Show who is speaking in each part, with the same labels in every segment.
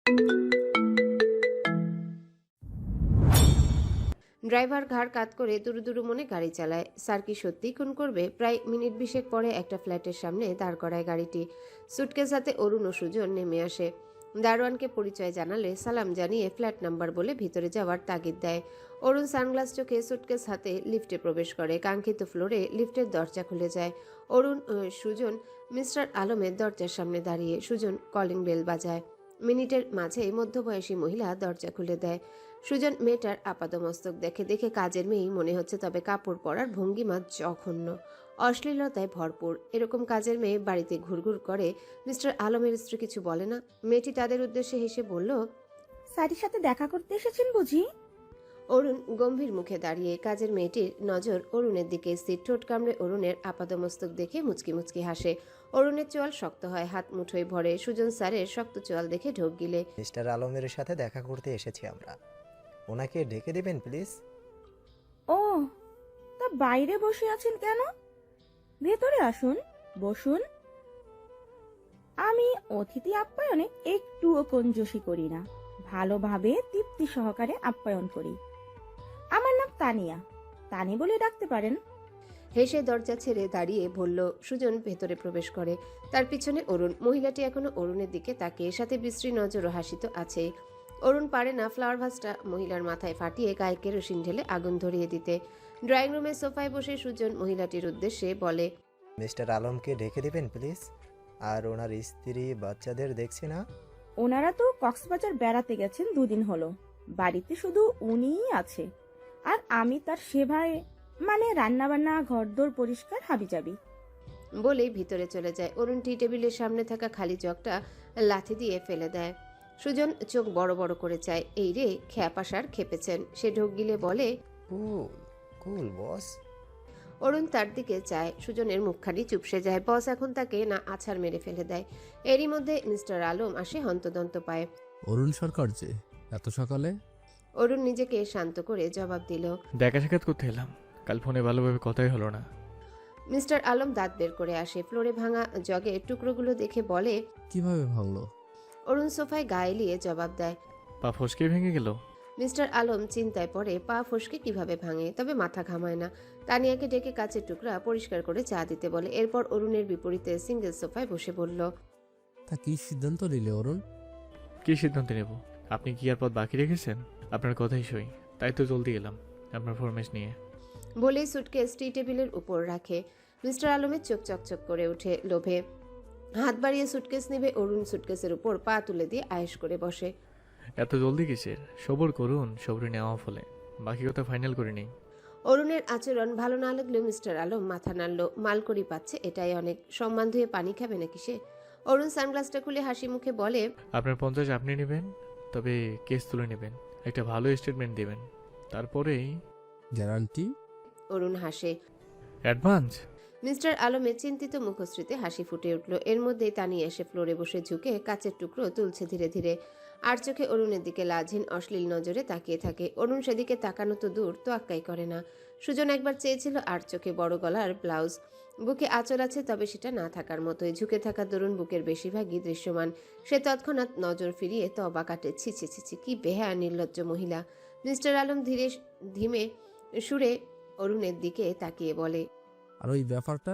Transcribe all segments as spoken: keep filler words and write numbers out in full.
Speaker 1: Driver ঘাড় কাত করে দুরু দুরু মনে গাড়ি চালায়। স্যার কি সত্যিই খুন করবে? প্রায় মিনিট বিশেক পরে একটা ফ্ল্যাটের সামনে দাঁড় করায় গাড়িটি। সুটকেস হাতে অরুণ ও সুজন নেমে আসে। দারোয়ানকে পরিচয় জানালে সালাম জানিয়ে ফ্ল্যাট নাম্বার বলে ভিতরে যাওয়ার তাগিদ দেয়। অরুণ সানগ্লাস চোখে সুটকেস হাতে লিফটে প্রবেশ করে। কাঙ্ক্ষিত ফ্লোরে লিফটের দরজা খুলে যায়। অরুণ ও সুজন মিস্টার আলমের দরজার সামনে দাঁড়িয়ে। সুজন কলিং বেল বাজায়। মিনিটের মাঝে মধ্যবয়সী মহিলা দরজা খুলে দেয়। সুজন মেয়েটার আপাদমস্তক দেখে দেখে কাজের মেয়েই মনে হচ্ছে, তবে কাপড় পরার ভঙ্গিমা জঘন্য, অশ্লীলতায় ভরপুর। এরকম কাজের মেয়ে বাড়িতে ঘুরঘুর করে। মিস্টার আলমের স্ত্রী কিছু বলে না। মেয়েটি তাদের উদ্দেশ্যে হেসে বলল,
Speaker 2: স্যারের সাথে দেখা করতে এসেছেন বুঝি?
Speaker 1: অরুণ গম্ভীর মুখে দাঁড়িয়ে। কাজের মেয়েটির নজর অরুণের দিকে স্থির। ঠোঁট কামড়ে অরুণের আপাদমস্তক দেখে মুচকি মুচকি হাসে। অরুণের চোয়াল শক্ত হয়, হাত মুঠোয় ভরে। সুজন স্যারের শক্ত চোয়াল দেখে ঢোক গিলে।
Speaker 3: মিস্টার আলমের সাথে দেখা করতে এসেছি আমরা, ওনাকে ডেকে দেবেন প্লিজ।
Speaker 2: ও, তা বাইরে বসে আছেন কেন? ভেতরে আসুন, বসুন। আমি অতিথি আপ্যায়নে একটুও কঞ্জুসি করি না, ভালোভাবে তৃপ্তি সহকারে আপ্যায়ন করি। আমার নাম তানিয়া, তানি বলে ডাকতে পারেন।
Speaker 1: হেসে দরজা ছেড়ে দাঁড়িয়ে বলল। সুজন ভেতরে প্রবেশ করে। তার পিছনে অরুণ। মহিলাটি এখনো অরুণের দিকে তাকিয়ে, সাথে বিশ্রী নজর ও হাসি তো আছেই। অরুণ পারে না ফ্লাওয়ার ভাসটা মহিলার মাথায় ফাটিয়ে গায়ে কেরোসিন ঢেলে আগুন ধরিয়ে দিতে। ড্রয়িং রুমের সোফায় বসে সুজন মহিলাটির উদ্দেশ্যে বলে,
Speaker 3: মিস্টার আলমকে ডেকে দেবেন প্লিজ। আর ওনার স্ত্রী বাচ্চাদের দেখছি না।
Speaker 2: ওনারা তো কক্সবাজার বেড়াতে গেছেন দুদিন হলো, বাড়িতে শুধু উনিই আছে। আর আমি তার সেবায়, মানে রান্নাবান্না, ঘরদোর পরিষ্কার, হাবিজাবি।
Speaker 1: বলেই ভিতরে চলে যায়। অরুণ টি টেবিলের সামনে থাকা খালি জগটা লাথি দিয়ে ফেলে দেয়। সুজন চোখ বড় বড় করে চায়। এই রে, খ্যাপাসার খেপেছেন। সে ঢোক গিলে বলে,
Speaker 3: কুল কুল বস।
Speaker 1: অরুণ তার দিকে চায়। সুজনের মুখখানি চুপসে যায়। বস এখন তাকে না আছাড় মেরে ফেলে দেয়। এরই মধ্যে মিস্টার আলম আসে হন্তদন্ত পায়।
Speaker 4: অরুণ সরকার যে এত সকালে?
Speaker 1: অরুণ নিজেকে শান্ত করে জবাব দিল,
Speaker 5: দেখা সাক্ষাৎ করতে এলাম, কাল ফোনে ভালোভাবে কথাই হলো না।
Speaker 1: মিস্টার আলম দাঁত বের করে আসে। ফ্লোরে ভাঙা জগের টুকরোগুলো দেখে বলে,
Speaker 4: কিভাবে ভাঙলো?
Speaker 1: অরুণ সোফায় গায়ে লিয়ে জবাব দেয়।
Speaker 5: পা ফসকে ভেঙে গেল।
Speaker 1: মিস্টার আলম চিন্তায় পড়ে। পা ফসকে কিভাবে ভাঙে, তবে মাথা ঘামায় না। তানিয়াকে ডেকে কাচের টুকরা পরিষ্কার করে চা দিতে বলে। এরপর অরুণের বিপরীতে সিঙ্গেল সোফায় বসে বলল,
Speaker 4: তা কি সিদ্ধান্ত নিলে অরুণ?
Speaker 5: কি সিদ্ধান্ত নেব? আপনি কি আর পথ বাকি রেখেছেন? আপনার কথাই সই, তাই তো জলদি এলাম আপনার ফরমেশ নিয়ে।
Speaker 1: বলেই সুটকেস টি টেবিলের উপর রাখে। মিস্টার আলমের চোখ চকচক করে ওঠে লোভে। হাত বাড়িয়ে সুটকেস নেবে। অরুণ সুটকেসের উপর পা তুলে দিয়ে আয়েশ করে বসে।
Speaker 5: এত জলদি কিসের? সবর করুন, সবরে নেওয়া ফলে বাকি কথা ফাইনাল করে নেই।
Speaker 1: অরুণের আচরণ ভালো না লাগলেও মিস্টার আলম মাথা নাড়ল। মালকড়ি পাচ্ছে, এটাই অনেক। সম্মান ধুয়ে পানি খাবে নাকি সে? অরুণ সানগ্লাসটা খুলে হাসি মুখে বলে,
Speaker 5: আপনার পঞ্চাশ আপনি নেবেন, তবে কেস তুলে নেবেন, একটা ভালো স্টেটমেন্ট দেবেন, তারপরেই
Speaker 4: গ্যারান্টি?
Speaker 1: অরুণ হাসে।
Speaker 5: অ্যাডভান্স।
Speaker 1: মিস্টার আলমের চিন্তিত মুখশ্রীতে হাসি ফুটে উঠল। এর মধ্যেই তানিয়া এসে ফ্লোরে বসে ঝুঁকে কাচের টুকরো তুলছে ধীরে ধীরে। আর চোখে অরুণের দিকে লাজহীন অশ্লীল নজরে তাকিয়ে থাকে। অরুণ সেদিকে তাকানো তো দূর, তো আক্কাই করে না। সুজন একবার চেয়েছিল আর চোখে বড় গলার ব্লাউজ। বুকে আঁচল আছে, তবে সেটা না থাকার মতোই। ঝুঁকে থাকা দরুন বুকের বেশিরভাগই দৃশ্যমান। সে তৎক্ষণাৎ নজর ফিরিয়ে তবা কাটে। ছিছি ছিছি, কি বেহায়া নির্লজ্জ মহিলা। মিস্টার আলম ধীরে ধীমে সুরে অরুণের দিকে তাকিয়ে বলে,
Speaker 4: আর ওই ব্যাপারটা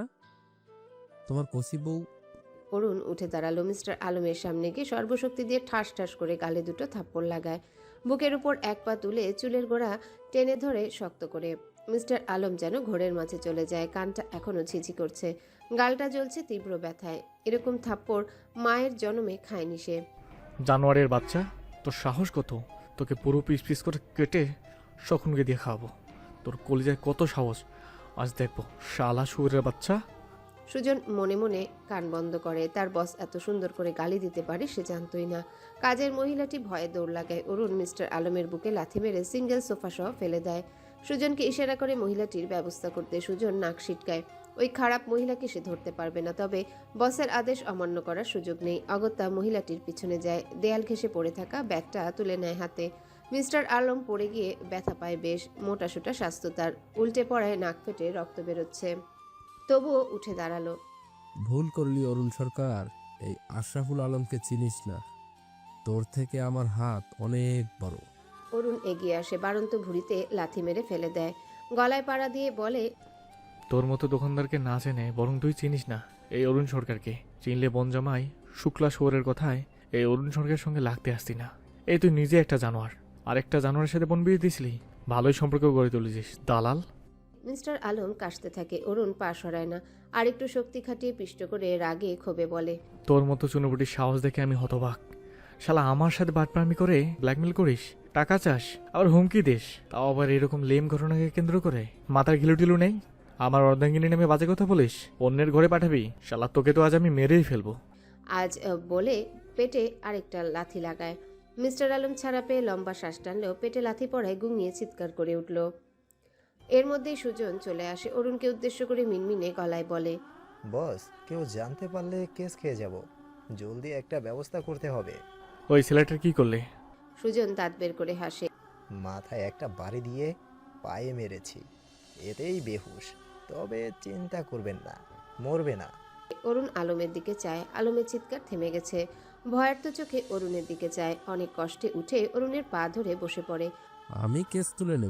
Speaker 4: তোমার কচি বউ?
Speaker 1: অরুণ উঠে দাঁড়ালো। মিস্টার আলমের সামনে গিয়ে সর্বশক্তি দিয়ে ঠাস ঠাস করে গালে দুটো থাপ্পড় লাগায়। বুকের উপর এক পা তুলে চুলের গোড়া টেনে ধরে শক্ত করে। মিস্টার আলম যেন ঘোরের মাঝে চলে যায়। কানটা এখনো ঝিঝি করছে, গালটা জ্বলছে তীব্র ব্যথায়। এরকম থাপ্পড় মায়ের জন্মে খায়নি সে।
Speaker 5: জানোয়ারের বাচ্চা, তোর সাহস কত? তোকে পুরো পিস পিস করে কেটে শকুনকে দিয়ে খাওয়াবো। তোর কলিজায় কত সাহস, আজ দেখবো শালা শুয়োরের বাচ্চা।
Speaker 1: সুজন মনে মনে কান বন্ধ করে। তার বস এত সুন্দর করে গালি দিতে পারে সে জানতই না। কাজের মহিলাটি ভয়ে দৌড় লাগায়। অরুণ মিস্টার আলমের বুকে লাথি মেরে সিঙ্গেল সোফা সহ ফেলে দেয়। সুজনকে ইশারা করে মহিলাটির ব্যবস্থা করতে। সুজন নাক সিটকায়। ওই খারাপ মহিলাকে সে ধরতে পারবে না, তবে বসের আদেশ অমান্য করার সুযোগ নেই। অগত্যা মহিলাটির পিছনে যায়। দেয়াল ঘেঁষে পড়ে থাকা ব্যাগটা তুলে নেয় হাতে। মিস্টার আলম পড়ে গিয়ে ব্যথা পায় বেশ। মোটাসোটা স্বাস্থ্য তার, উল্টে পড়ায় নাক ফেটে রক্ত বেরোচ্ছে। তবুও উঠে দাঁড়ালো।
Speaker 4: ভুল করলি অরুণ সরকার, এই আশরাফুল আলমকে চিনিস না। তোর থেকে আমার হাত অনেক বড়।
Speaker 1: অরুণ এগিয়ে আসে, বাড়ন্ত ভুঁড়িতে লাথি মেরে ফেলে দেয়। গলায় পাড়া দিয়ে বলে,
Speaker 5: তোর মতো দোকানদারকে না চেনে বরং তুই চিনিস না এই অরুণ সরকারকে। চিনলে বন জামাই শুক্লা শুয়োরের কথায় এই অরুণ সরকারের সঙ্গে লাগতে আসতি না। এই তুই নিজে একটা জানোয়ার, আর একটা জানোয়ারের সাথে বন বিয়ে দিছিলি। ভালোই সম্পর্ক গড়ে তুলেছিস, দালাল।
Speaker 1: মিস্টার আলম কাশতে থাকে। অরুণ পা সরায় না, আর একটু শক্তি খাটিয়ে পিষ্ট করে রাগে ক্ষোভে বলে,
Speaker 5: তোর মতো চুনোপুটির সাহস দেখে আমি হতবাক। শালা আমার সাথে বাটপারমি করে ব্ল্যাকমেল করিস, টাকা চাস, আবার হুমকি দিস, তাও আবার এরকম লেম ঘটনাকে কেন্দ্র করে। মাথার ঘিলু টিলু নেই? আমার অর্ধাঙ্গিনী নামে বাজে কথা বলিস, অন্যের ঘরে পাঠাবি? শালা তোকে তো আজ আমি মেরেই ফেলবো।
Speaker 1: আজ আহ, বলে পেটে আরেকটা লাথি লাগায়। মিস্টার আলম ছাড়া পেয়ে লম্বা শ্বাস টানলেও পেটে লাথি পড়ায় গুঙিয়ে চিৎকার করে উঠল। এর মধ্যেই সুজন চলে আসে। অরুণকে উদ্দেশ্য করে মিনমিনে গলায় বলে,
Speaker 3: বস, কেউ জানতে পারলে কেস খেয়ে যাব। জলদি একটা ব্যবস্থা করতে হবে।
Speaker 5: ওই ছেলেটার কি করলে?
Speaker 1: সুজন দাঁত বের করে হাসে।
Speaker 3: মাথায় একটা বাড়ি দিয়ে পায়ে মেরেছি, এতেই বেহুশ। তবে চিন্তা করবেন না, মরবে না।
Speaker 1: অরুণ আলমের দিকে চায়। আলমের চিৎকার থেমে গেছে। ভয়ার্ত চোখে অরুণের দিকে চায়। অনেক কষ্টে উঠে অরুণের পা ধরে বসে পড়ে।
Speaker 4: আমি কেস তুলে নেব,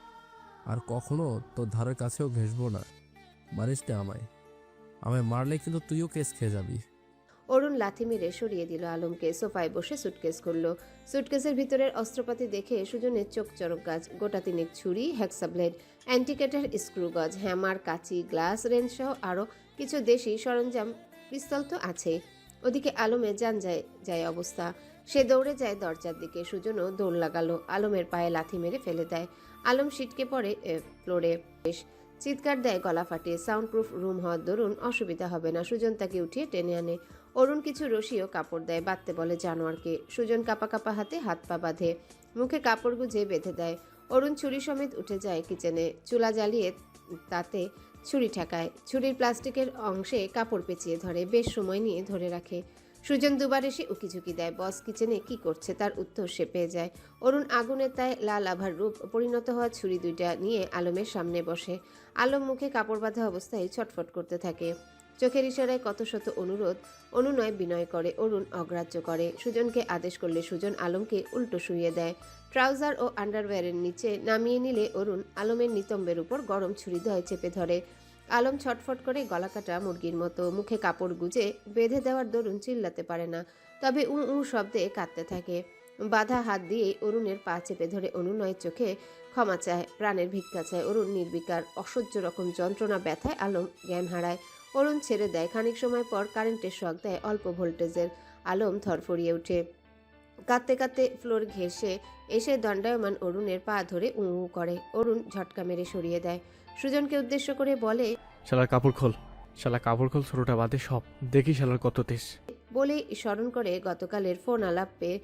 Speaker 4: আর কখনো তোর ধারের কাছেও ঘেসবো না। মারিস না আমায়, আমায় মারলে কিন্তু তুইও কেস খেয়ে যাবি।
Speaker 1: অরুণ লাথি মেরে সরিয়ে দিল আলমকে। সোফায় বসে সুটকেস করলো। সুটকেসের ভিতরের অস্ত্রপাতি দেখে সুজনের চোখ চরক গাছ। গোটা তিনেক ছুরি, হ্যাক্সা ব্লেড, অ্যান্টিকেটার স্ক্রু গজ, হ্যামার, কাঁচি, গ্লাস, রেঞ্জ সহ আরও কিছু দেশি সরঞ্জাম, পিস্তল তো আছেই। ওদিকে আলমের যান যায় যায় অবস্থা। সে দৌড়ে যায় দরজার দিকে। সুজনও দৌড় লাগালো। আলমের পায়ে লাথি মেরে ফেলে দেয়। আলম ছিটকে পড়ে এ, ফ্লোরে। বেশ চিৎকার দেয় গলা ফাটিয়ে। সাউন্ড প্রুফ রুম হওয়ার দরুন অসুবিধা হবে না। সুজন তাকে উঠিয়ে টেনে আনে। অরুণ কিছু রশি ও কাপড় দেয়, বাঁধতে বলে জানোয়ারকে। সুজন কাপা কাপা হাতে হাত পা বাঁধে, মুখে কাপড় গুজে বেঁধে দেয়। অরুণ ছুরি সমেত উঠে যায় কিচেনে। চুলা জ্বালিয়ে তাতে ছুরি ঠেকায়। ছুরির প্লাস্টিকের অংশে কাপড় পেঁচিয়ে ধরে, বেশ সময় নিয়ে ধরে রাখে। সুজন দুবার এসে উকিঝুঁকি দেয়। বস কিচেনে কি করছে তার উত্তর সে পেয়ে যায়। অরুণ আগুনের তায় লাল আভার রূপ পরিণত হওয়া ছুরি দুইটা নিয়ে আলমের সামনে বসে। আলম মুখে কাপড় বাঁধা অবস্থায় ছটফট করতে থাকে। চোখের ইশারায় কত শত অনুরোধ অনুনয় বিনয় করে। অরুণ অগ্রাহ্য করে। সুজনকে আদেশ করলে সুজন আলমকে উল্টো শুইয়ে দেয়। ট্রাউজার ও আন্ডারওয়্যারের নিচে নামিয়ে নিলে অরুণ আলমের নিতম্বের উপর গরম ছুরি দয় চেপে ধরে। আলম ছটফট করে গলা কাটা মুরগির মতো। মুখে কাপড় গুজে বেঁধে দেওয়ার দরুন চিল্লাতে পারে না, তবে উ উ শব্দে কাঁদতে থাকে। বাধা হাত দিয়ে অরুণের পা চেপে ধরে অনুনয়ের চোখে ক্ষমা চায়, প্রাণের ভিক্ষা চায়। অরুণ নির্বিকার। অসহ্য রকম যন্ত্রণা ব্যথায় আলম জ্ঞান হারায়। অরুণ ছেড়ে দেয়। খানিক সময় পর কারেন্টের শক দেয় অল্প ভোল্টেজের। আলম ধরফরিয়ে ওঠে। কাঁদতে কাঁদতে ফ্লোর ঘেঁষে এসে দণ্ডায়মান অরুণের পা ধরে উঁ উঁ করে। অরুণ ঝটকা মেরে সরিয়ে দেয়। সুজনকে উদ্দেশ্য করে বলে,
Speaker 5: শালার কাপড় খোল, শালা কাপড় খোল, ছোটটা বাদে সব দেখি শালার কত তেজ।
Speaker 1: বলেই স্মরণ করে গতকালের ফোন আলাপ পেয়ে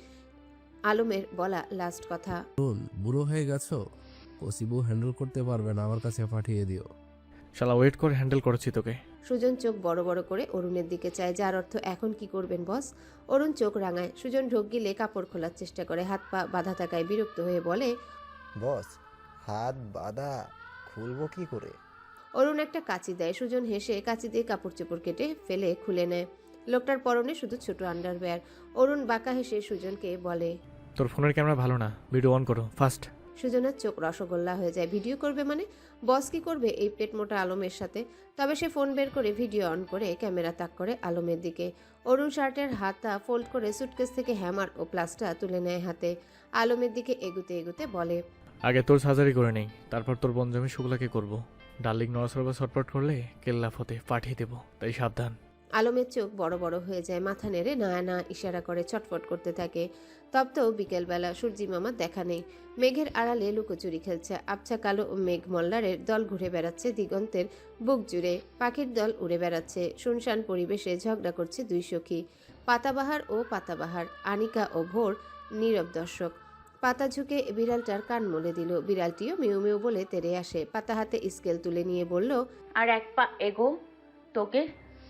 Speaker 1: আলমের বলা লাস্ট কথা।
Speaker 4: শুন, বুড়ো হয়ে গেছো, কসিবু হ্যান্ডেল করতে পারবে না, আমার কাছে পাঠিয়ে দিও।
Speaker 5: শালা ওয়েট করে হ্যান্ডেল করেছি তোকে।
Speaker 1: সুজন চোখ বড় বড় করে অরুণের দিকে চায়, যার অর্থ এখন কি করবেন বস? অরুণ চোখ রাঙায়। সুজন ঢোক গিলে কাপড় খোলার চেষ্টা করে। হাত পা বাঁধা থাকায় বিরক্ত হয়ে বলে,
Speaker 3: বস, হাত বাঁধা, খুলবো কি করে?
Speaker 1: অরুণ একটা কাঁচি দেয়। সুজন হেসে কাঁচি দিয়ে কাপড় চোপড় কেটে ফেলে খুলে নেয়। লোকটার পরনে শুধু ছোট আন্ডারওয়্যার। অরুণ বাঁকা হেসে সুজনকে বলে,
Speaker 5: তোর ফোনের ক্যামেরা ভালো না, ভিডিও অন করো ফাস্ট।
Speaker 1: সুজনের চোখ রসগোল্লা হয়ে যায়। ভিডিও করবে মানে? বস কি করবে এই প্লেট মোটা আলমের সাথে? তবে সে ফোন বের করে ভিডিও অন করে ক্যামেরা তাক করে আলমের দিকে। অরুণ শার্টের হাতটা ফোল্ড করে সুটকেস থেকে হ্যামার ও প্লাসটা তুলে নেয় হাতে। আলমের দিকে এগুতে এগুতে বলে,
Speaker 5: আগে তোর সার্জারি করে নেই, তারপর তোর বনজামি শুক্লাকে করবো। ডার্লিং নড়াচড়া বা ছটপট করলে কেল্লা ফতে পাঠিয়ে দেবো, তাই সাবধান।
Speaker 1: আলমের চোখ বড় বড় হয়ে যায়। মাথা নেড়ে না না ইশারা করে ছটফট করতে থাকে। তপ্ত বিকেলবেলা। সূর্যি মামার দেখা নেই। মেঘের আড়ালে লুকোচুরি খেলছে। আবছা কালো মেঘ মল্লারের দল ঘুরে বেড়াচ্ছে দিগন্তের বুক জুড়ে। পাখির দল উড়ে বেড়াচ্ছে। শুনশান পরিবেশে ঝগড়া করছে দুই সখী, পাতাবাহার ও পাতাবাহার, আনিকা ও ভোর নীরব দর্শক। পাতা ঝুঁকে বিড়ালটার কান মলে দিল। বিড়ালটিও মিউ মিউ বলে তেড়ে আসে। পাতা হাতে স্কেল তুলে নিয়ে বলল,
Speaker 6: আর এক পা এগো, তোকে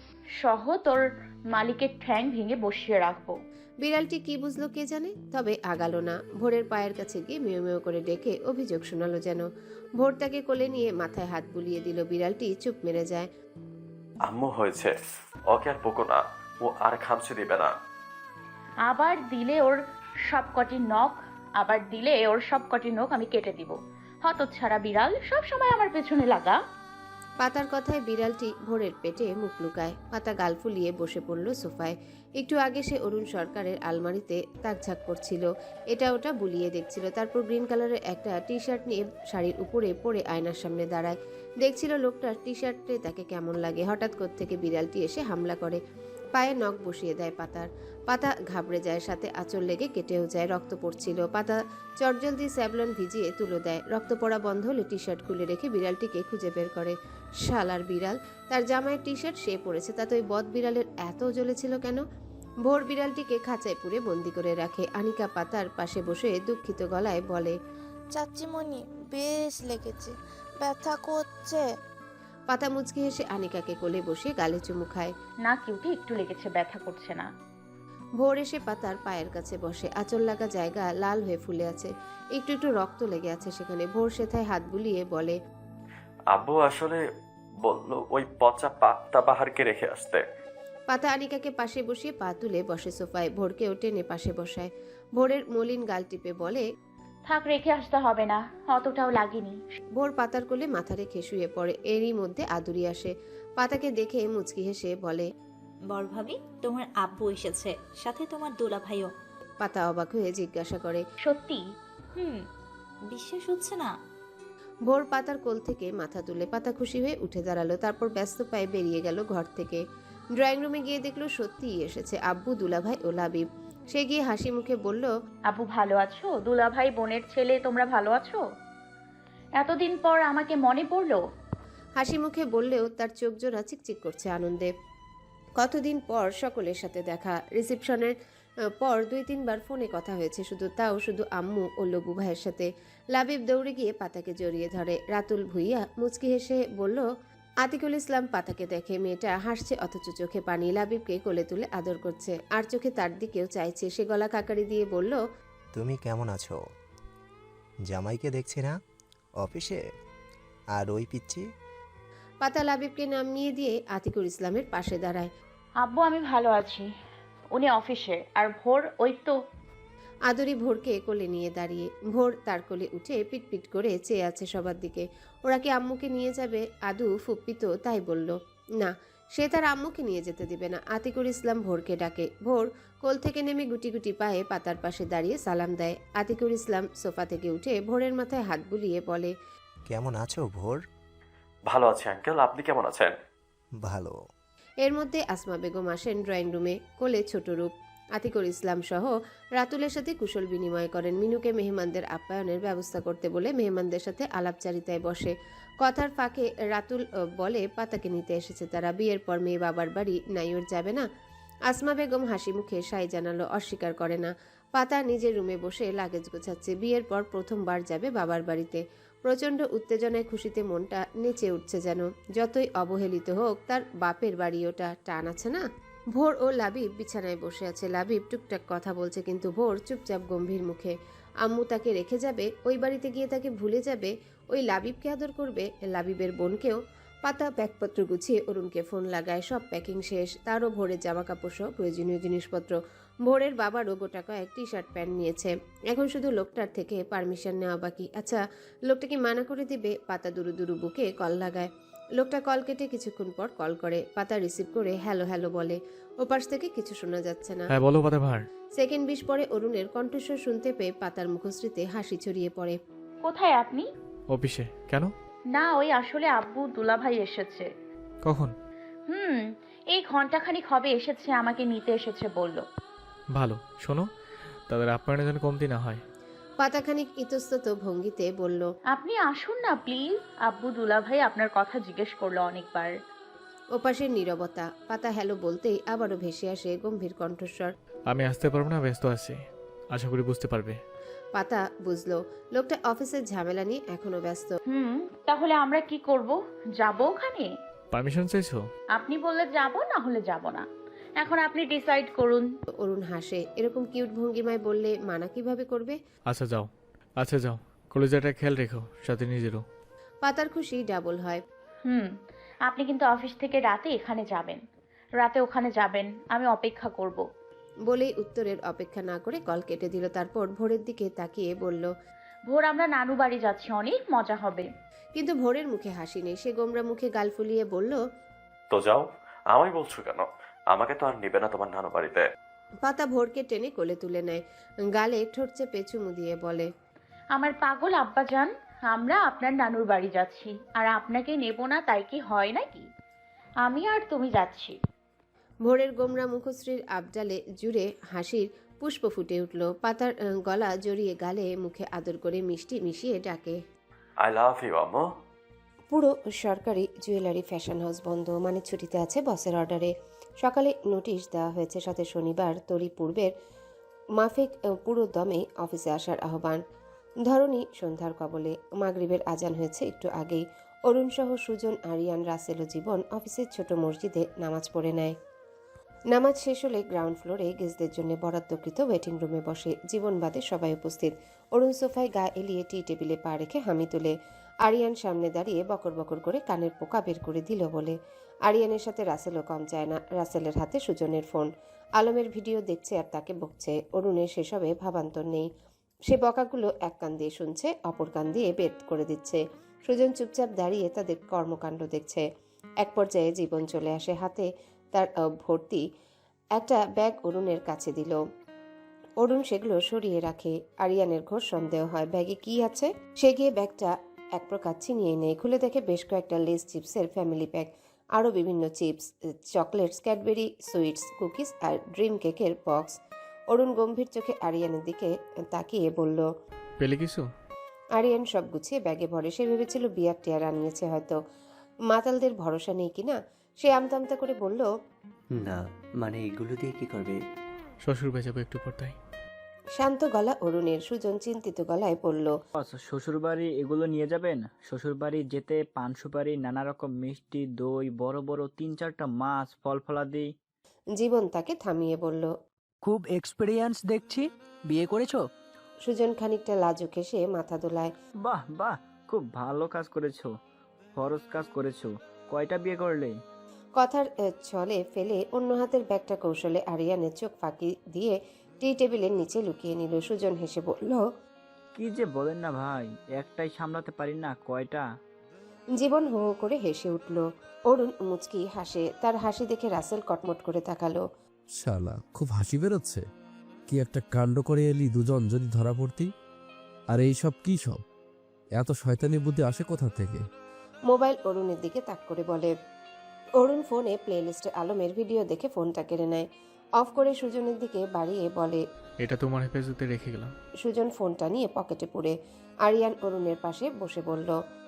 Speaker 6: সহ তোর মালিকের ঠ্যাং ভেঙে বসিয়ে রাখবো।
Speaker 1: বিড়ালটি কি বুঝলো কে জানে, তবে আগালো না। ভোরের পায়ের কাছে গিয়ে মেয় মেয় করে ডেকে অভিযোগ শোনালো যেন। ভোর তাকে কোলে নিয়ে মাথায় হাত বুলিয়ে দিল। বিড়ালটি চুপ মেরে যায়।
Speaker 7: আম্মু হয়েছে, ওকে আর পোকো না, ও আর খামছে দিবে না।
Speaker 6: আবার দিলে ওর সব কটি নখ আবার দিলে ওর সব কটি নখ আমি কেটে দিব। হতচ্ছাড়া বিড়াল, সব সময় আমার পেছনে লাগা।
Speaker 1: পাতার কথায় বিড়ালটি ভোরের পেটে মুখ লুকায়। পাতা গাল ফুলিয়ে বসে পড়ল সোফায়। একটু আগে সে অরুণ সরকারের আলমারিতে তাকঝাক করছিল, এটা ওটা বুলিয়ে দেখছিল। তারপর গ্রিন কালারের একটা টি শার্ট নিয়ে শাড়ির উপরে পরে আয়নার সামনে দাঁড়ায়, দেখছিল লোকটার টি শার্টে তাকে কেমন লাগে। হঠাৎ থেকে বিড়ালটি এসে হামলা করে, পায়ে নখ বসিয়ে দেয় পাতার। পাতা ঘাবড়ে যায়, সাথে আঁচল লেগে কেটেও যায়, রক্ত পড়ছিল। পাতা চটজলদি স্যাভলন ভিজিয়ে তুলে দেয়। রক্ত পড়া বন্ধ হলে টি শার্ট খুলে রেখে বিড়ালটিকে খুঁজে বের করে। শালার বিড়াল, তার জামাইয়ের টি শার্ট সে পরেছে, তাতে ওই বদ বিড়ালের এত জ্বলেছিল কেন? ভোর বিড়ালটিকে খাঁচায় পুরে বন্দি করে রাখে। আনিকা পাতার পাশে বসে দুঃখিত গলায় বলে,
Speaker 7: চাচিমণি বেশ লেগেছে, ব্যথা করছে।
Speaker 1: পাতা মুচকি হেসে আনিকাকে কোলে বসে গালে চুমু খায়।
Speaker 6: না কিউটি, একটু লেগেছে, ব্যথা করছে না।
Speaker 1: ভোর এসে পাতার পায়ের কাছে বসে। আঁচল লাগা জায়গা লাল হয়ে ফুলে আছে, একটু একটু রক্ত লেগে আছে সেখানে। ভোর সেথায় হাত বুলিয়ে বলে,
Speaker 8: আব্বু আসলে বললো ওই পচা পাতা বাহারকে রেখে আসতে।
Speaker 1: পাতা আনিকাকে পাশে বসিয়ে পা তুলে বসে সোফায়। ভোরকেও টেনে পাশে বসায়। ভোরের মলিন গাল টিপে বলে,
Speaker 6: থাক, রেখে আসতে হবে না, অতটাও লাগেনি।
Speaker 1: ভোর পাতার কোলে মাথা রেখে শুয়ে পড়ে। এরই মধ্যে আদুরি আসে, পাতাকে দেখে মুচকি হেসে বলে,
Speaker 9: বড় ভাবি, তোমার আব্বু এসেছে, সাথে তোমার দোলা ভাইও।
Speaker 1: পাতা অবাক হয়ে জিজ্ঞাসা করে,
Speaker 6: সত্যি?
Speaker 9: হুম, বিশ্বাস হচ্ছে না?
Speaker 1: ভোর পাতার কোল থেকে মাথা তুলে পাতা খুশি হয়ে উঠে দাঁড়ালো। তারপর ব্যস্ত পায়ে বেরিয়ে গেল ঘর থেকে। ড্রয়িং রুমে গিয়ে দেখলো সত্যিই এসেছে আব্বু, দুলাভাই ও লাবিব। সে গিয়ে হাসি মুখে বলল,
Speaker 6: আব্বু ভালো আছো? দুলাভাই, বোনের ছেলে, তোমরা ভালো আছো? এতদিন পর আমাকে মনে পড়লো।
Speaker 1: হাসি মুখে বললেও তার চোখ জোড়া চিকচিক করছে আনন্দে। কতদিন পর সকলের সাথে দেখা। রিসেপশনের আহ, পর দুই তিনবার ফোনে কথা হয়েছে শুধু, তাও শুধু আম্মু ও লবু ভাইয়ের সাথে। লাবিব দৌড়ে গিয়ে পাতাকে জড়িয়ে ধরে। রাতুল ভুইয়া মুচকি হেসে বলল, আতিকুল ইসলাম পাতাকে দেখে। মেয়েটা হাসছে অথচ চোখে পানি। লাবিবকে কোলে তুলে আদর করছে, আর চোখে তার দিকেও চাইছে। সে গলা কাকারি দিয়ে বলল,
Speaker 3: তুমি কেমন আছো? জামাইকে দেখছি না অফিসে? আর ওই পিচ্ছি?
Speaker 1: পাতা লাবিবকে নামিয়ে দিয়ে আতিকুল ইসলামের পাশে দাঁড়ায়।
Speaker 6: আব্বু আমি ভালো আছি, উনি অফিসে, আর ভোর ওই তো।
Speaker 1: আদরি ভোরকে কোলে নিয়ে দাঁড়িয়ে। ভোর তার কোলে উঠে পিটপিট করে চেয়ে আছে সবার দিকে। ওরা কি আম্মুকে নিয়ে যাবে? আদু ফুপ্পি তো তাই বলল। না, সে তার আম্মুকে নিয়ে যেতে দিবে না। আতিকুর ইসলাম ভোরকে ডাকে। ভোর কোল থেকে নেমে গুটি গুটি পায়ে পাতার পাশে দাঁড়িয়ে সালাম দেয়। আতিকুর ইসলাম সোফা থেকে উঠে ভোরের মাথায় হাত বুলিয়ে বলে,
Speaker 3: কেমন আছো ভোর?
Speaker 8: ভালো আছি আঙ্কেল, আপনি কেমন আছেন?
Speaker 3: ভালো।
Speaker 1: এর মধ্যে আসমা বেগম আসেন ড্রয়িং রুমে, কোলে ছোট রূপ। আতিকুর ইসলাম সহ রাতুলের সাথে কুশল বিনিময় করেন। মিনুকে মেহমানদের আপ্যায়নের ব্যবস্থা করতে বলে মেহমানদের সাথে আলাপচারিতায় বসে। কথার ফাঁকে রাতুল আহ, বলে পাতাকে নিতে এসেছে তারা। বিয়ের পর মেয়ে বাবার বাড়ি নাইওর যাবে না? আসমা বেগম হাসি মুখে সাই জানালো, অস্বীকার করে না। পাতা নিজের রুমে বসে লাগেজ গোছাচ্ছে। বিয়ের পর প্রথমবার যাবে বাবার বাড়িতে। প্রচণ্ড উত্তেজনায় খুশিতে মনটা নেচে উঠছে যেন। যতই অবহেলিত হোক, তার বাপের বাড়ি ওটা, টান আছে না? ভোর ও লাবিব বিছানায় বসে আছে। লাবিব টুকটাক কথা বলছে, কিন্তু ভোর চুপচাপ গম্ভীর মুখে। আম্মু তাকে রেখে যাবে, ওই বাড়িতে গিয়ে তাকে ভুলে যাবে, ওই লাবিবকে আদর করবে, লাবিবের বোনকেও। পাতা ব্যাগপত্র গুছিয়ে অরুণকে ফোন লাগায়। সব প্যাকিং শেষ, তারও ভোরের জামা কাপড় সহ প্রয়োজনীয় জিনিসপত্র। ভোরের বাবারও গোটা কয়েক টি শার্ট প্যান্ট নিয়েছে। এখন শুধু লোকটার থেকে পারমিশন নেওয়া বাকি। আচ্ছা, লোকটা কি মানা করে দিবে? পাতা দুরু দুরু বুকে কল লাগায়। লোকটা কল কেটে কিছুক্ষণ পর কল করে। পাতা রিসিভ করে হ্যালো হ্যালো বলে। ওপাশ থেকে কিছু শোনা যাচ্ছে না।
Speaker 5: হ্যাঁ বলো পাতা ভার।
Speaker 1: সেকেন্ড বিশ পরে অরুণের কণ্ঠস্বর শুনতে পেয়ে পাতার মুখশ্রীতে হাসি ছড়িয়ে পড়ে।
Speaker 6: কোথায় আপনি?
Speaker 5: অফিসে। কেন?
Speaker 6: না, ওই আসলে আব্বু দুলাভাই এসেছে।
Speaker 5: কখন?
Speaker 6: হুম এই ঘন্টাখানিক হবে এসেছে, আমাকে নিতে এসেছে বলল।
Speaker 5: ভালো। শোনো, তাদের আপ্যায়নের যেন কমতি না হয়।
Speaker 1: পাতাখানিক ইতস্তত ভঙ্গিতে বলল,
Speaker 6: আপনি আসুন না প্লিজ, আব্বু দুলাভাই আপনার কথা জিজ্ঞেস করলো অনেকবার।
Speaker 1: ওপাশের নীরবতা। পাতা হ্যালো বলতেই আবারও ভেসে আসে গম্ভীর কণ্ঠস্বর।
Speaker 5: আমি আসতে পারবো না, ব্যস্ত আছি। আশা করি বুঝতে পারবে।
Speaker 1: পাতা বুঝলো লোকটা অফিসের ঝামেলা নিয়ে এখনো ব্যস্ত।
Speaker 6: হুম তাহলে আমরা কি করব? যাব ওখানে?
Speaker 5: পারমিশন চাইছো?
Speaker 6: আপনি বললে যাব, না হলে যাব না। এখন আপনি ডিসাইড করুন।
Speaker 1: অরুণ হাসে। এরকম কিউট ভঙ্গিমায় বললে মানা কিভাবে করবে?
Speaker 5: আচ্ছা যাও, আচ্ছা যাও, কলেজাটা খেয়াল রেখো, সাথে নিজেরও।
Speaker 1: পাতার খুশি ডাবল হয়।
Speaker 6: হুম আপনি কিন্তু অফিস থেকে রাতে এখানে যাবেন, রাতে ওখানে যাবেন, আমি অপেক্ষা করব।
Speaker 1: বলেই উত্তরের অপেক্ষা না করে কল কেটে দিল। তারপর ভোরের দিকে তাকিয়ে বলল,
Speaker 6: ভোর আমরা নানু বাড়ি যাচ্ছি, অনেক মজা হবে।
Speaker 1: কিন্তু ভোরের মুখে হাসি নেই। সে গোমরা মুখে গাল ফুলিয়ে বলল,
Speaker 8: তো যাও, আমায় বলছো কেন? আমাকে তো আর নিবে না তোমার নানু বাড়িতে।
Speaker 1: পাতা ভোরকে টেনে কোলে তুলে নেয়, গালে ঠোঁট চেপে চুমু দিয়ে বলে,
Speaker 6: আমার পাগল আব্বাজান, আমরা আপনার নানুর বাড়ি যাচ্ছি, আর আপনাকে নেব না তাই কি হয় নাকি? আমি আর তুমি যাচ্ছি।
Speaker 1: ভোরের গোমরা মুখশ্রীর আবডালে জুড়ে হাসির পুষ্প ফুটে উঠল। পাতার আহ, গলা জড়িয়ে গালে মুখে আদর করে মিষ্টি মিশিয়ে ডাকে,
Speaker 8: আই লাভ ইউ আম্মু।
Speaker 1: পুরো সরকারি জুয়েলারি ফ্যাশন হাউস বন্ধ, মানে ছুটিতে আছে বসের অর্ডারে। সকালে নোটিশ দেওয়া হয়েছে, সাথে শনিবার তরি পূর্বের মাফিক আহ, পুরো দমে অফিসে আসার আহ্বান। ধরনী সন্ধ্যার কবলে, মাগরিবের আজান হয়েছে একটু আগেই। অরুণ সহ সুজন, আরিয়ান, রাসেল ও জীবন অফিসের ছোট মসজিদে নামাজ পড়ে নেয়। নামাজ শেষ হলে গ্রাউন্ড ফ্লোরে গেস্টদের জন্য বরাদ্দকৃত ওয়েটিং রুমে বসে। জীবন বাদে সবাই উপস্থিত। অরুণ সোফায় গা এলিয়ে টি টেবিলে পা রেখে হামি তুলে। আরিয়ান সামনে দাঁড়িয়ে বকর বকর করে কানের পোকা বের করে দিল বলে। আরিয়ানের সাথে রাসেলও কম চায় না। রাসেলের হাতে সুজনের ফোন। আলমের ভিডিও দেখছে আর তাকে বকছে। অরুণের সেসবে ভাবান্তর নেই। সে বকাগুলো এক কান দিয়ে শুনছে, অপর কান দিয়ে বের করে দিচ্ছে। সুজন চুপচাপ দাঁড়িয়ে তাদের কর্মকাণ্ড দেখছে। এক পর্যায়ে জীবন চলে আসে। হাতে তার আহ, ভর্তি একটা ব্যাগ অরুণের কাছে দিল। অরুণ সেগুলো সরিয়ে রাখে। আরিয়ানের ঘোর সন্দেহ হয় ব্যাগে কি আছে। সে গিয়ে ব্যাগটা এক প্রকার ছিনিয়ে নেয়। খুলে দেখে বেশ কয়েকটা লেস চিপসের ফ্যামিলি প্যাক, আরও বিভিন্ন chips, chocolates, Cadbury, sweets, cookies আর ড্রিম কেকের বক্স। অরুণ গম্ভীর চোখে আরিয়ানের দিকে তাকিয়ে বলল,
Speaker 5: পেলে কিছু?
Speaker 1: আরিয়ান সব গুছিয়ে ব্যাগে ভরে। সে ভেবেছিল বিয়ার টিয়ার আনিয়েছে হয়তো। মাতালদের ভরসা নেই কিনা। সে আমতা আমতা করে বলল,
Speaker 10: না, মানে এগুলো দিয়ে কি করবে?
Speaker 5: শ্বশুর বেজাবো একটু পর তাই।
Speaker 1: শান্ত গলা অরুণের। সুজন চিন্তিত গলায় বলল,
Speaker 11: শ্বশুরবাড়ি এগুলো নিয়ে যাবেন? শ্বশুরবাড়ি যেতে পান সুপারি, নানা রকম মিষ্টি, দই, বড় বড় তিন চারটা মাছ, ফল ফলাদি।
Speaker 1: জীবন তাকে থামিয়ে বলল,
Speaker 11: খুব এক্সপেরিয়েন্স দেখছি, বিয়ে করেছো?
Speaker 1: সুজন খানিকটা লাজুক হেসে মাথা দোলায়।
Speaker 11: বাহ বাহ, খুব ভালো কাজ করেছো, ফরজ কাজ করেছো। কয়টা বিয়ে করলে?
Speaker 1: কথার আহ, ছলে ফেলে অন্য হাতের ব্যাগটা কৌশলে আরিয়ানের চোখ ফাঁকি দিয়ে টি টেবিলের নিচে লুকিয়ে নিল। সুজন হেসে বলল,
Speaker 11: কি যে বলেন না ভাই, একটাই সামলাতে পারি না, কয়টা?
Speaker 1: জীবন হো হো করে হেসে উঠল। অরুণ মুচকি হাসে। তার হাসি দেখে রাসেল কটমট করে তাকালো।
Speaker 4: শালা খুব হাসি বেরোচ্ছে। কি একটা কাণ্ড করে এলি দুজন, যদি ধরা পড়তি। আর এই সব কি সব? এত শয়তানি বুদ্ধি আসে কোথা থেকে?
Speaker 1: মোবাইল অরুণের দিকে তাক করে বলে। অরুণ ফোনে প্লে লিস্টে আলমের ভিডিও দেখে ফোনটা কেড়ে নেয়। অফ করে সুজনের দিকে বাড়িয়ে বলে,
Speaker 5: এটা তোমার হেফাজতে রেখে গেলাম।
Speaker 1: সুজন ফোনটা নিয়ে পকেটে পুরে। আরিয়ান অরুণের পাশে বসে বলল,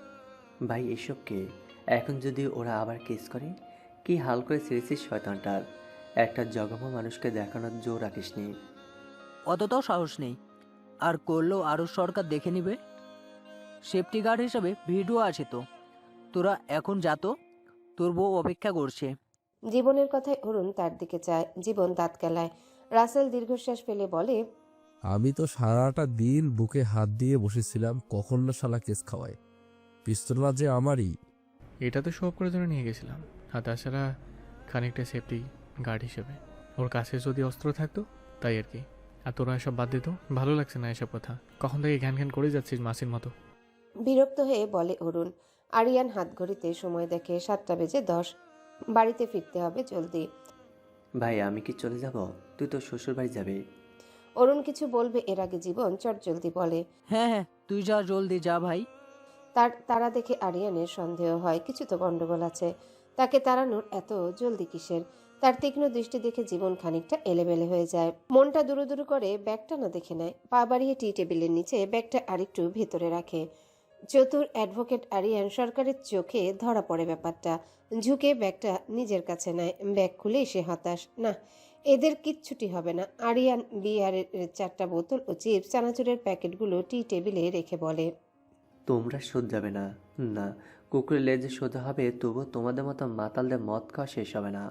Speaker 10: ভাই এসব কে? এখন যদি ওরা আবার কেস করে? কি হাল করে ছেড়েছিস শয়তানটার। একটা জঘন্য মানুষকে দেখানোর জোর রাখিসনি।
Speaker 11: অতটাও সাহস নেই, আর করলেও আরও সরকার দেখে নিবে। সেফটি গার্ড হিসাবে ভিডিও আছে তো। তোরা এখন যা তো, তোর বউ অপেক্ষা করছে।
Speaker 1: জীবনের কথায় অরুণ তার দিকে চায়। জীবন দাঁত কেলায়। রাসেল দীর্ঘশ্বাস ফেলে বলে,
Speaker 4: আমি তো সারাটা দিন বুকে হাত দিয়ে বসেছিলাম, কখন না শালা কেস খাওয়ায়। পিস্তলটা যে আমারই।
Speaker 5: এটা তো সব করে ধরে নিয়ে গেছিলাম, আর তাছাড়া খানিকটা সেফটি গার্ড হিসেবে। ওর কাছে যদি অস্ত্র থাকতো তাই আর কি। আর তোরা এসব বাদ দিত, ভালো লাগছে না এসব কথা। কখন থেকে ঘ্যান ঘ্যান করে যাচ্ছিস মাসির মতো।
Speaker 1: বিরক্ত হয়ে বলে অরুণ। আরিয়ান হাত ঘড়িতে সময় দেখে সাতটা বেজে দশ। বাড়িতে ফিরতে হবে জলদি।
Speaker 10: ভাই আমি কি চলে যাব? তুই তো শ্বশুর বাড়ি যাবে।
Speaker 1: অরুণ কিছু বলবে এর আগে জীবন চট জলদি বলে,
Speaker 11: হ্যাঁ হ্যাঁ, তুই যা, জলদি যা ভাই।
Speaker 1: তার তারা দেখে আরিয়ানের সন্দেহ হয় কিছু তো গন্ডগোল আছে। তাকে তাড়ানোর এত জলদি কিসের? তার তীক্ষ্ণ দৃষ্টি দেখে জীবন খানিকটা এলেবেলে হয়ে যায়। মনটা দুরু দুরু করে ব্যাগটা না দেখে নেয়। পা বাড়িয়ে টি টেবিলের নিচে ব্যাগটা আরেকটু ভেতরে রাখে। চতুর অ্যাডভোকেট আরিয়ান সরকারের চোখে ধরা পড়ে ব্যাপারটা। ঝুঁকে ব্যাগটা নিজের কাছে নেয়। ব্যাগ খুলে সে হতাশ। না, এদের কিচ্ছুটি হবে না। আরিয়ান বিয়ারের চারটা বোতল ও চিপস চানাচুরের প্যাকেটগুলো টি টেবিলে রেখে বলে,
Speaker 10: তোমরা শোধ যাবে না। না, কুকুরের লেজে সোজা হবে, তবুও তোমাদের মতো মাতালদের মদ খাওয়া শেষ হবে না।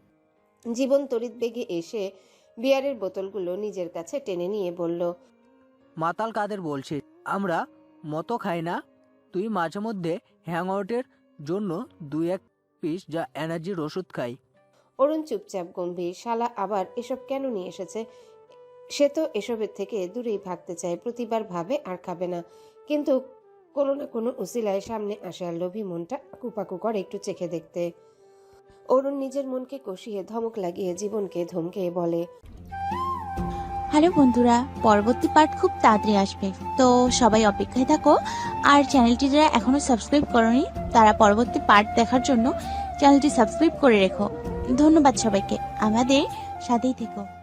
Speaker 1: জীবন তড়িৎ বেগে এসে বিয়ারের বোতলগুলো নিজের কাছে টেনে নিয়ে বলল,
Speaker 11: মাতাল কাদের বলছিস? আমরা মতো খাই না। তুই মাঝে মধ্যে হ্যাং আউটের জন্য দুই এক পিস যা এনার্জির ওষুধ খাই।
Speaker 1: অরুণ চুপচাপ গম্ভীর। শালা আবার এসব কেন নিয়ে এসেছে? সে তো এসবের থেকে দূরেই ভাগতে চায়, প্রতিবার ভাবে আর খাবে না, কিন্তু কোনো না কোনো উসিলায় সামনে আসে আর লোভী মনটা কুপাকু করে একটু চেখে দেখতে। অরুণ নিজের মনকে কষিয়ে ধমক লাগিয়ে জীবনকে ধমকে বলে,
Speaker 12: হ্যালো বন্ধুরা, পরবর্তী পার্ট খুব তাড়াতাড়ি আসবে, তো সবাই অপেক্ষায় থাকো। আর চ্যানেলটি যারা এখনো সাবস্ক্রাইব করনি তারা পরবর্তী পার্ট দেখার জন্য চ্যানেলটি সাবস্ক্রাইব করে রেখো। ধন্যবাদ সবাইকে, আমাদের সাথেই থেকো।